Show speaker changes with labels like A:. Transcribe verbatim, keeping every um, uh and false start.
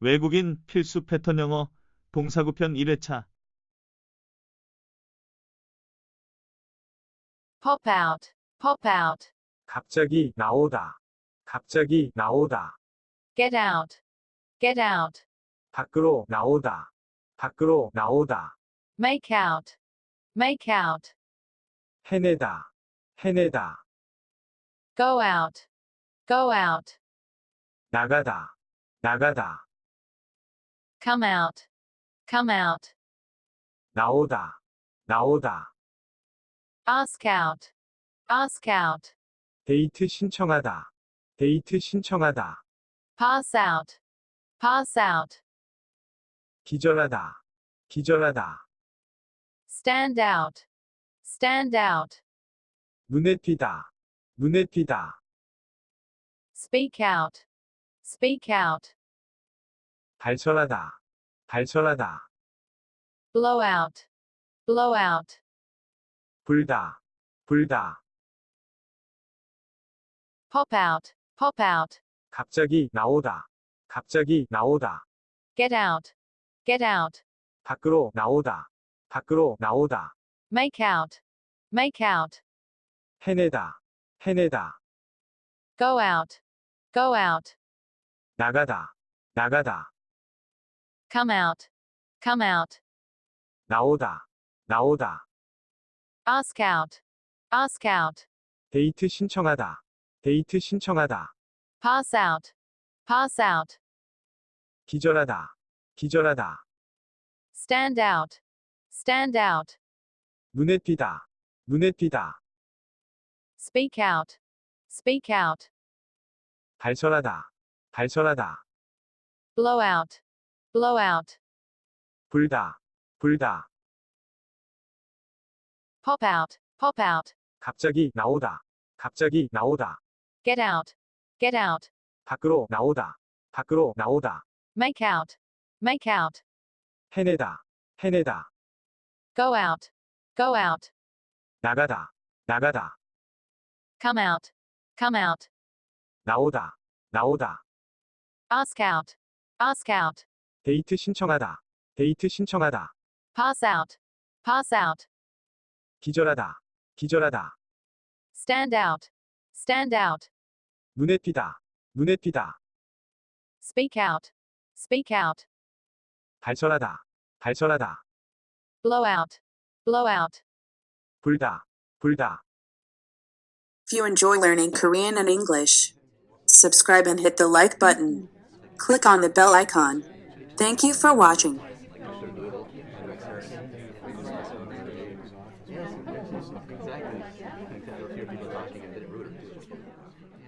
A: 외국인 필수 패턴 영어 동사구편 일 회차
B: pop out, pop out,
C: 갑자기 나오다. 갑자기 나오다.
B: get out, get out,
C: 밖으로 나오다. 밖으로 나오다.
B: make out, make out,
C: 해내다. 해내다.
B: go out, go out,
C: 나가다. 나가다.
B: come out, come out,
C: 나오다. 나오다.
B: ask out, ask out,
C: 데이트 신청하다. 데이트 신청하다.
B: pass out, pass out,
C: 기절하다. 기절하다.
B: stand out, stand out,
C: 눈에 띄다. 눈에 띄다.
B: speak out, speak out,
C: 발설하다. 발설하다.
B: blow out, blow out,
C: 불다. 불다.
B: pop out, pop out,
C: 갑자기 나오다. 갑자기 나오다.
B: get out, get out,
C: 밖으로 나오다. 밖으로 나오다.
B: make out, make out,
C: 해내다. 해내다.
B: go out, go out,
C: 나가다. 나가다.
B: come out, come out,
C: 나오다. 나오다.
B: ask out, ask out,
C: 데이트 신청하다. 데이트 신청하다.
B: pass out, pass out,
C: 기절하다. 기절하다.
B: stand out, stand out,
C: 눈에 띄다. 눈에 띄다.
B: speak out, speak out,
C: 발설하다. 발설하다.
B: blow out, blow out,
C: 불다. 불다.
B: pop out, pop out,
C: 갑자기 나오다. 갑자기 나오다.
B: get out, get out,
C: 밖으로 나오다. 밖으로 나오다.
B: make out, make out,
C: 해내다. 해내다.
B: go out, go out,
C: 나가다. 나가다.
B: come out, come out,
C: 나오다. 나오다.
B: ask out, ask out,
C: 데이트 신청하다. 데이트 신청하다.
B: pass out, pass out,
C: 기절하다. 기절하다.
B: stand out, stand out,
C: 눈에 띄다. 눈에 띄다.
B: speak out, speak out,
C: 발설하다. 발설하다.
B: blow out, blow out.
C: 불다. 불다.
D: If you enjoy learning Korean and English, subscribe and hit the like button. Click on the bell icon. Thank you for watching.
E: Exactly. I hear people talking, I didn't root them to.